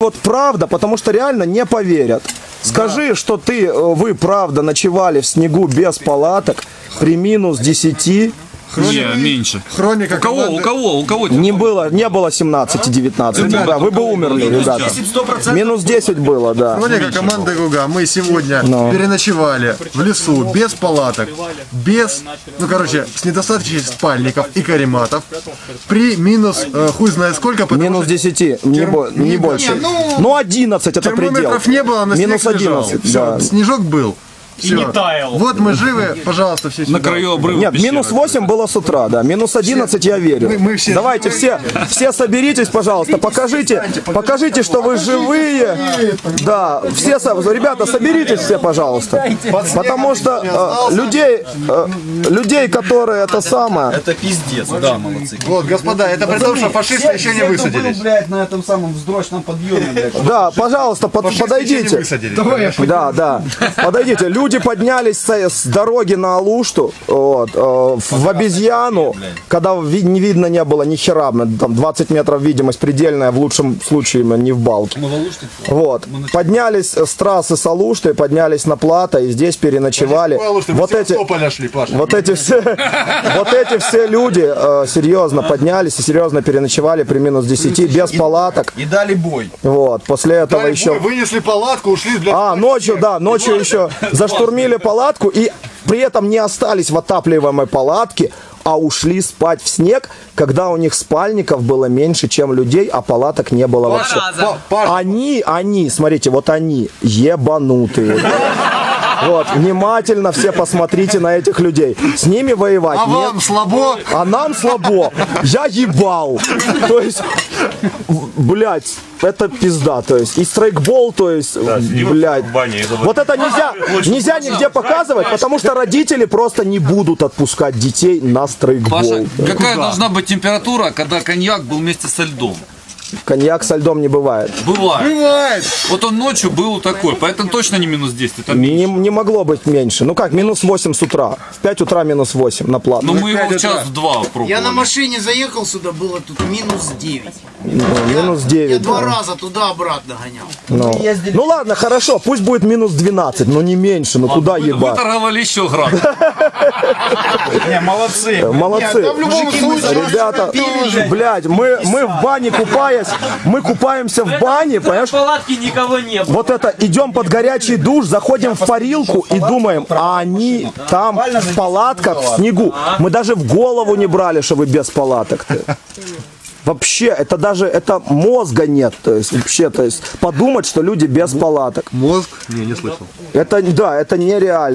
вот правда, потому что реально не поверят. Скажи, что вы правда ночевали в снегу без палаток при минус 10. Не, меньше. Хроника У кого? Не было 17-19. Да, вы бы умерли, ребята. Минус 10 было, да. Хроника команды Гуга. Мы сегодня переночевали в лесу без палаток, без, с недостаточно спальников и карематов. При минус, хуй знает сколько. Минус 10, не больше. Ну 11 это предел. Термометров не было, на минус 11, да. Снежок был. И не таял. Вот мы живы, пожалуйста, все сюда. На краю обрыва. Нет, минус 8 было с утра, да. Минус 11 я верю. Мы все Давайте все соберитесь, пожалуйста. Покажите, что вы живые. Да, все, ребята, соберитесь все, пожалуйста. Потому что людей, которые это самое. Это пиздец, да, молодцы. Вот, господа, это при том, что фашисты еще не высадились. Блядь, на этом самом вздрочном подъеме, блядь. Да, пожалуйста, подойдите. Да, подойдите. Люди поднялись с дороги на Алушту, в обезьяну, когда не видно не было ни хера, там 20 метров видимость предельная, в лучшем случае не в балке. Вот. Поднялись с трассы с Алушты, поднялись на плато и здесь переночевали. Вот эти все люди серьезно поднялись и серьезно переночевали при минус 10 без палаток. И дали бой. Вот. После этого еще... Вынесли палатку, ушли для... ночью еще заштурмили палатку и при этом не остались в отапливаемой палатке, а ушли спать в снег, когда у них спальников было меньше, чем людей, а палаток не было вообще. Они, смотрите, вот они ебанутые. Вот, внимательно все посмотрите на этих людей. С ними воевать нет. Вам слабо? А нам слабо. Я ебал. То есть, блядь, это пизда. То есть, и страйкбол, то есть, блядь. Вот это нельзя нигде показывать, потому что родители просто не будут отпускать детей на страйкбол. Паша, какая должна быть температура, когда коньяк был вместе со льдом? Коньяк со льдом не бывает. Бывает. Вот он ночью был такой, поэтому точно не минус 10. Это не могло быть меньше. Ну как, минус 8 с утра. В 5 утра минус 8 на плату. Ну мы его в час-два пробовали. Я на машине заехал сюда, было тут минус 9. Минус 9. Я 2 раза туда-обратно гонял. Ну ладно, хорошо, пусть будет минус 12, но не меньше, ну куда ебать. Выторговали еще градус. Не, молодцы. Молодцы. Ребята, блядь, мы в бане мы купаемся в бане, понимаешь? В палатке никого не было. Вот это, идем под горячий душ, заходим в парилку и думаем, а они там в палатках, в снегу. Мы даже в голову не брали, что вы без палаток. Вообще, это мозга нет, то есть вообще, подумать, что люди без палаток. Мозг? Не слышал. Это нереально.